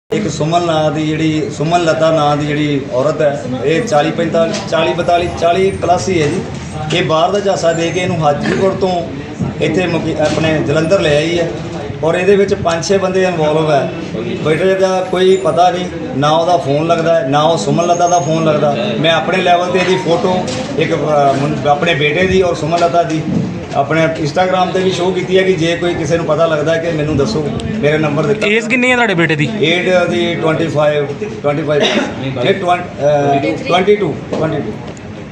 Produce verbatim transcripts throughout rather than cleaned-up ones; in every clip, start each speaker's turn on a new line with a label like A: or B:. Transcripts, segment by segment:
A: एक सुमन नां दी जिहड़ी सुमन लता नां दी जिहड़ी औरत है, ये चाली पैंताली चाली बताली चाली प्लस ही है जी। ये बाहर का झांसा दे के इनू हाजीपुर तो इत्थे मुकी अपने जलंधर ले आई है और ये पाँच छे बंदे इनवॉल्व है। बेटे का कोई पता नहीं, ना वह फोन लगता है ना वो सुमन लता का फोन लगता। मैं अपने लैवल पर यदी फोटो एक अपने बेटे की और सुमन लता की अपने इंस्टाग्राम पे भी शो की है कि जे कोई किसी को पता लगता है कि मैनू दसो, मेरा नंबर दिता।
B: एज कितनी है तुहाडे बेटे दी?
A: एज दी twenty five twenty five twenty two twenty two.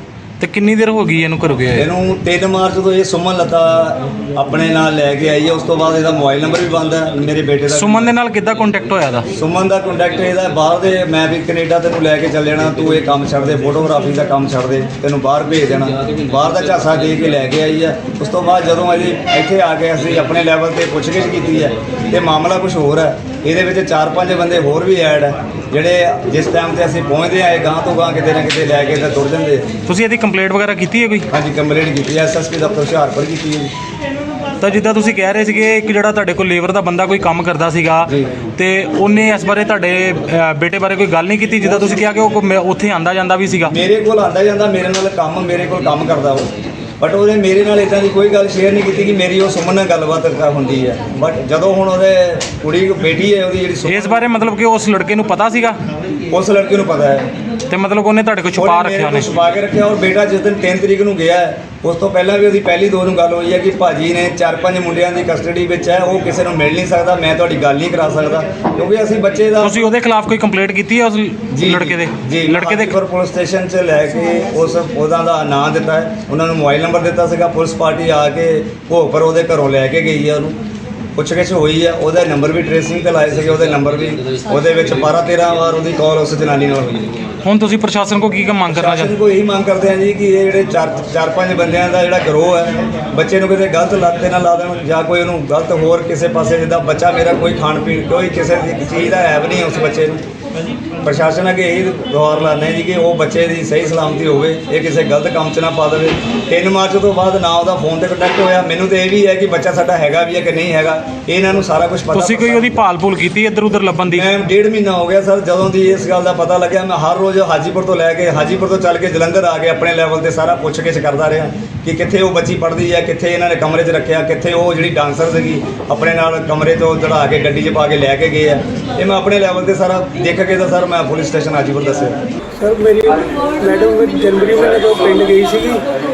B: तो कितनी देर हो गई इनू घरों गए?
A: इनू तीन मार्च तो ये सुमन लता अपने नाल लैके आई है। उस तो बाद इसका मोबाइल नंबर भी बंद है मेरे बेटे का।
B: सुमन दे नाल किद्दां कॉन्टैक्ट होया दा?
A: सुमन का कॉन्टैक्ट ਇਹਦਾ ਬਾਹਰ ਦੇ, ਮੈਂ ਵੀ ਕੈਨੇਡਾ ਤੈਨੂੰ ਲੈ ਕੇ ਚੱਲ ਜਾਣਾ, ਤੂੰ ਇਹ ਕੰਮ ਛੱਡ ਦੇ, ਫੋਟੋਗ੍ਰਾਫੀ ਦਾ ਕੰਮ ਛੱਡ ਦੇ, ਤੈਨੂੰ ਬਾਹਰ ਭੇਜ ਦੇਣਾ। ਬਾਹਰ ਦਾ ਝਾਂਸਾ ਦੇ ਕੇ ਲੈ ਕੇ ਆਈ ਹੈ। ਉਸ ਤੋਂ ਬਾਅਦ ਜਦੋਂ ਅਸੀਂ ਇੱਥੇ ਆ ਕੇ ਅਸੀਂ ਆਪਣੇ ਲੈਵਲ ਤੇ ਪੁੱਛਗਿੱਛ ਕੀਤੀ ਹੈ ਤੇ ਮਾਮਲਾ ਕੁਝ ਹੋਰ ਹੈ। ਇਹਦੇ ਵਿੱਚ ਚਾਰ ਪੰਜ ਬੰਦੇ ਹੋਰ ਵੀ ਐਡ ਹੈ ਜਿਹੜੇ ਜਿਸ ਟਾਈਮ ਤੇ ਅਸੀਂ ਪਹੁੰਚਦੇ ਆਏ ਗਾਂ ਤੋਂ ਗਾਂ ਕਿਤੇ ਨਾ ਕਿਤੇ ਲੈ ਕੇ ਤੇ ਤੁਰ ਜਾਂਦੇ।
B: ਤੁਸੀਂ ਇਹਦੀ ਕੰਪਲੇਂਟ ਵਗੈਰਾ ਕੀਤੀ ਹੈ ਕੋਈ?
A: ਹਾਂਜੀ ਕੰਪਲੇਂਟ ਕੀਤੀ ਹੈ, ਐਸ ਐਸ ਪੀ ਦਫ਼ਤਰ ਹੁਸ਼ਿਆਰਪੁਰ ਕੀਤੀ ਹੈ ਜੀ।
B: ਤਾਂ ਜਿੱਦਾਂ ਤੁਸੀਂ ਕਹਿ ਰਹੇ ਸੀਗੇ ਕਿ ਜਿਹੜਾ ਤੁਹਾਡੇ ਕੋਲ ਲੇਬਰ ਦਾ ਬੰਦਾ ਕੋਈ ਕੰਮ ਕਰਦਾ ਸੀਗਾ ਤੇ ਉਹਨੇ ਇਸ ਬਾਰੇ ਤੁਹਾਡੇ ਅ, ਬੇਟੇ ਬਾਰੇ ਕੋਈ ਗੱਲ ਨਹੀਂ ਕੀਤੀ? ਜਿੱਦਾਂ ਤੁਸੀਂ ਕਿਹਾ ਕਿ ਉਹ ਕੋ- ਉੱਥੇ ਆਂਦਾ ਜਾਂਦਾ ਵੀ ਸੀਗਾ।
A: ਮੇਰੇ ਕੋਲ ਆਂਦਾ ਜਾਂਦਾ, ਮੇਰੇ ਨਾਲ ਕੰਮ ਮੇਰੇ ਕੋਲ ਕੰਮ ਕਰਦਾ ਉਹ, ਬਟ ਉਹਨੇ ਮੇਰੇ ਨਾਲ ਇੱਦਾਂ ਦੀ ਕੋਈ ਗੱਲ ਸ਼ੇਅਰ ਨਹੀਂ ਕੀਤੀ ਕਿ ਮੇਰੀ ਉਹ ਸੁਮਨ ਨਾਲ ਗੱਲਬਾਤ ਹੁੰਦੀ ਹੈ। ਬਟ ਜਦੋਂ ਹੁਣ ਉਹਦੇ ਕੁੜੀ ਬੇਟੀ ਹੈ ਉਹਦੀ ਜਿਹੜੀ ਸੁਮਨ,
B: ਇਸ ਬਾਰੇ ਮਤਲਬ ਕਿ ਉਸ ਲੜਕੇ ਨੂੰ ਪਤਾ ਸੀਗਾ?
A: ਉਸ ਲੜਕੇ ਨੂੰ ਪਤਾ ਹੈ
B: ਤੇ ਮਤਲਬ ਉਹਨੇ ਤੁਹਾਡੇ ਕੋਲ ਛੁਪਾ ਰੱਖਿਆ? ਉਹਨੇ
A: ਛੁਪਾ ਕੇ ਰੱਖਿਆ। ਔਰ ਬੇਟਾ ਜਿਸ ਦਿਨ ਤਿੰਨ ਤਰੀਕ ਨੂੰ ਗਿਆ ਹੈ ਉਸ ਤੋਂ ਪਹਿਲਾਂ ਵੀ ਉਹਦੀ ਪਹਿਲੀ ਦੋ ਨੂੰ ਗੱਲ ਹੋਈ ਹੈ ਕਿ ਭਾਜੀ ਨੇ ਚਾਰ ਪੰਜ ਮੁੰਡਿਆਂ ਦੀ ਕਸਟਡੀ ਵਿੱਚ ਹੈ, ਉਹ ਕਿਸੇ ਨੂੰ ਮਿਲ ਨਹੀਂ ਸਕਦਾ, ਮੈਂ ਤੁਹਾਡੀ ਗੱਲ ਨਹੀਂ ਕਰਾ ਸਕਦਾ ਕਿਉਂਕਿ ਅਸੀਂ ਬੱਚੇ ਦਾ।
B: ਤੁਸੀਂ ਉਹਦੇ ਖਿਲਾਫ ਕੋਈ ਕੰਪਲੇਂਟ ਕੀਤੀ ਹੈ ਉਸ ਲੜਕੇ ਦੇ?
A: ਜੀ
B: ਲੜਕੇ ਦੇ
A: ਪਰ ਪੁਲਿਸ ਸਟੇਸ਼ਨ 'ਚ ਲੈ ਕੇ ਉਸ ਉਹਦਾ ਦਾ ਨਾਂ ਦਿੱਤਾ ਹੈ, ਉਹਨਾਂ ਨੂੰ ਮੋਬਾਈਲ ਨੰਬਰ ਦਿੱਤਾ ਸੀਗਾ। ਪੁਲਿਸ ਪਾਰਟੀ ਆ ਕੇ ਭੋਗਪੁਰ ਉਹਦੇ ਘਰੋਂ ਲੈ ਕੇ ਗਈ ਹੈ, ਉਹਨੂੰ ਪੁੱਛਗਿੱਛ ਹੋਈ ਹੈ, ਉਹਦਾ ਨੰਬਰ ਵੀ ਟ੍ਰੇਸਿੰਗ ਤੇ ਲਾਏ ਸੀਗੇ, ਉਹਦੇ ਨੰਬਰ ਵੀ ਉਹਦੇ ਵਿੱਚ ਬਾਰਾਂ ਤੇਰਾਂ ਵਾਰ ਉਹਦੀ ਕਾਲ ਉਸ ਜਨਾਨੀ ਨਾਲ ਹੋਈ ਹੈ।
B: ਹੁਣ ਤੁਸੀਂ ਪ੍ਰਸ਼ਾਸਨ ਕੋ ਕੀ ਕੰਮ ਮੰਗ ਕਰਨਾ ਚਾਹੁੰਦੇ?
A: ਕੋਈ ਇਹੀ ਮੰਗ ਕਰਦੇ ਆ ਜੀ ਕਿ ਇਹ ਜਿਹੜੇ ਚਾਰ ਚਾਰ ਪੰਜ ਬੰਦਿਆਂ ਦਾ ਜਿਹੜਾ ਗਰੋਹ ਹੈ, ਬੱਚੇ ਨੂੰ ਕਿਤੇ ਗਲਤ ਲੱਤ ਤੇ ਨਾ ਲਾ ਦੇਣ ਜਾਂ ਕੋਈ ਉਹਨੂੰ ਗਲਤ ਹੋਰ ਕਿਸੇ ਪਾਸੇ, ਜਿੱਦਾਂ ਬੱਚਾ ਮੇਰਾ ਕੋਈ ਖਾਣ ਪੀਣ ਕੋਈ ਕਿਸੇ ਦੀ ਚੀਜ਼ ਦਾ ਐਬ ਨਹੀਂ ਉਸ ਬੱਚੇ ਨੂੰ। ਪ੍ਰਸ਼ਾਸਨ ਅੱਗੇ ਇਹੀ ਗੁਹਾਰ ਲਾਉਂਦੇ ਜੀ ਕਿ ਉਹ ਬੱਚੇ ਦੀ ਸਹੀ ਸਲਾਮਤੀ ਹੋਵੇ, ਇਹ ਕਿਸੇ ਗਲਤ ਕੰਮ 'ਚ ਨਾ ਪਾ ਦੇਵੇ। ਤਿੰਨ ਮਾਰਚ ਤੋਂ ਬਾਅਦ ਨਾ ਉਹਦਾ ਫੋਨ ਤੇ ਕੰਟੈਕਟ ਹੋਇਆ। ਮੈਨੂੰ ਤੇ ਇਹ ਵੀ ਹੈ ਕਿ ਬੱਚਾ ਸਾਡਾ ਹੈਗਾ ਵੀ ਹੈ ਕਿ ਨਹੀਂ ਹੈਗਾ, ਇਹਨਾਂ ਨੂੰ ਸਾਰਾ ਕੁਝ ਪਤਾ।
B: ਤੁਸੀਂ ਕੋਈ ਉਹਦੀ ਭਾਲ ਭੂਲ ਕੀਤੀ ਇੱਧਰ ਉੱਧਰ ਲੱਭਣ ਦੀ?
A: ਮੈਂ ਡੇਢ ਮਹੀਨਾ ਹੋ ਗਿਆ ਸਰ ਜਦੋਂ ਦੀ ਇਸ ਗੱਲ ਦਾ ਪਤਾ ਲੱਗਿਆ। ਮੈਂ ਹਰ ਰੋਜ਼ ਹਾਜੀਪੁਰ ਤੋਂ ਲੈ ਕੇ ਹਾਜੀਪੁਰ ਤੋਂ ਚੱਲ ਕੇ ਜਲੰਧਰ ਆ ਕੇ ਆਪਣੇ ਲੈਵਲ ਤੇ ਸਾਰਾ ਪੁੱਛਗਿੱਛ ਕਰਦਾ ਰਿਹਾ ਕਿ ਕਿੱਥੇ ਉਹ ਬੱਚੀ ਪੜ੍ਹਦੀ ਹੈ, ਕਿੱਥੇ ਇਹਨਾਂ ਨੇ ਕਮਰੇ 'ਚ ਰੱਖਿਆ, ਕਿੱਥੇ ਉਹ ਜਿਹੜੀ ਡਾਂਸਰ ਸੀਗੀ ਆਪਣੇ ਨਾਲ ਕਮਰੇ ਤੋਂ ਚੜਾ ਕੇ ਗੱਡੀ 'ਚ ਪਾ ਕੇ ਲੈ ਕੇ ਗਏ ਆ। ਇਹ ਮੈਂ ਆਪਣੇ ਲੈਵਲ ਤੇ ਸਾਰਾ ਦੇਖ ਕੇ ਤਾਂ ਸਰ ਮੈਂ ਪੁਲਿਸ ਸਟੇਸ਼ਨ ਹਾਜੀਪੁਰ ਦੱਸਿਆ।
C: ਸਰ ਮੇਰੀ ਮੈਡਮ ਜਨਵਰੀ ਮਹੀਨੇ ਤੋਂ ਪਿੰਡ ਗਈ ਸੀਗੀ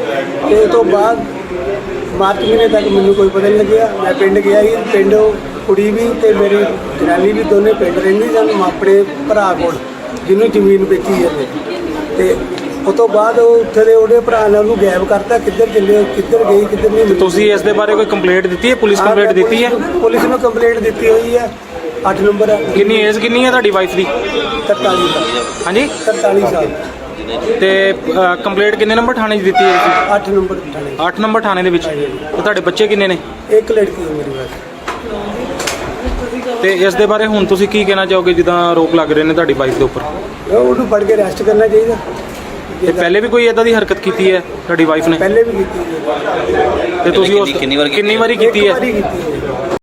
C: ਤੇ ਉਸ ਤੋਂ ਬਾਅਦ ਮਾਰਚ ਮਹੀਨੇ ਤੱਕ ਮੈਨੂੰ ਕੋਈ ਪਤਾ ਨਹੀਂ ਲੱਗਿਆ। ਮੈਂ ਪਿੰਡ ਗਿਆ ਸੀ, ਪਿੰਡ ਕੁੜੀ ਵੀ ਤੇ ਮੇਰੀ ਜਨਾਨੀ ਵੀ ਦੋਨੇ ਪਿੰਡ ਰਹਿੰਦੀ ਸਨ ਆਪਣੇ ਭਰਾ ਕੋਲ ਜਿਹਨੂੰ ਜ਼ਮੀਨ ਵੇਚੀ ਹੈ। ਤੇ ਉਸ ਤੋਂ ਬਾਅਦ ਉਹ ਉੱਥੇ ਦੇ ਉਹਦੇ ਭਰਾ ਨੇ ਉਹਨੂੰ ਗਾਇਬ ਕਰਤਾ, ਕਿੱਧਰ ਚੱਲੇ ਕਿੱਧਰ ਗਈ ਕਿੱਧਰ ਨਹੀਂ।
B: ਤੁਸੀਂ ਇਸ ਦੇ ਬਾਰੇ ਕੋਈ ਕੰਪਲੇਂਟ ਦਿੱਤੀ ਹੈ? ਪੁਲਿਸ ਕੰਪਲੇਂਟ ਦਿੱਤੀ ਹੈ?
C: ਪੁਲਿਸ ਨੂੰ ਕੰਪਲੇਂਟ ਦਿੱਤੀ ਹੋਈ ਹੈ। ਅੱਠ ਨੰਬਰ ਹੈ।
B: ਕਿੰਨੀ ਏਜ ਕਿੰਨੀ ਹੈ ਤੁਹਾਡੀ ਵਾਈਫ ਦੀ?
C: ਤਰਤਾਲੀ ਸਾਲ।
B: ਹਾਂਜੀ
C: ਤਰਤਾਲੀ ਸਾਲ।
B: ਤੇ ਕੰਪਲੇਂਟ ਕਿੰਨੇ ਨੰਬਰ ਥਾਣੇ 'ਚ ਦਿੱਤੀ ਹੈ ਤੁਸੀਂ?
C: ਅੱਠ ਨੰਬਰ ਥਾਣੇ।
B: ਅੱਠ ਨੰਬਰ ਥਾਣੇ ਦੇ ਵਿੱਚ। ਤੇ ਤੁਹਾਡੇ ਬੱਚੇ ਕਿੰਨੇ ਨੇ?
C: ਇੱਕ ਲੜਕੀ ਹੈ ਮੇਰੀ ਬਸ।
B: ਤੇ ਇਸ ਦੇ ਬਾਰੇ ਹੁਣ ਤੁਸੀਂ ਕੀ ਕਹਿਣਾ ਚਾਹੋਗੇ ਜਿੱਦਾਂ ਆਰੋਪ ਲੱਗ ਰਹੇ ਨੇ ਤੁਹਾਡੀ ਵਾਈਫ ਦੇ ਉੱਪਰ?
C: ਉਹਨੂੰ ਫੜ ਕੇ ਅਰੈਸਟ ਕਰਨਾ ਚਾਹੀਦਾ।
B: ਤੇ ਪਹਿਲੇ ਵੀ ਕੋਈ ਇਦਾਂ ਦੀ ਹਰਕਤ ਕੀਤੀ ਹੈ ਤੁਹਾਡੀ ਵਾਈਫ ਨੇ?
C: ਪਹਿਲੇ ਵੀ ਕੀਤੀ ਹੈ।
B: ਤੇ ਤੁਸੀਂ ਉਸ ਕਿੰਨੀ ਵਾਰੀ ਕੀਤੀ ਹੈ?
C: ਇੱਕ ਵਾਰੀ ਕੀਤੀ ਹੈ।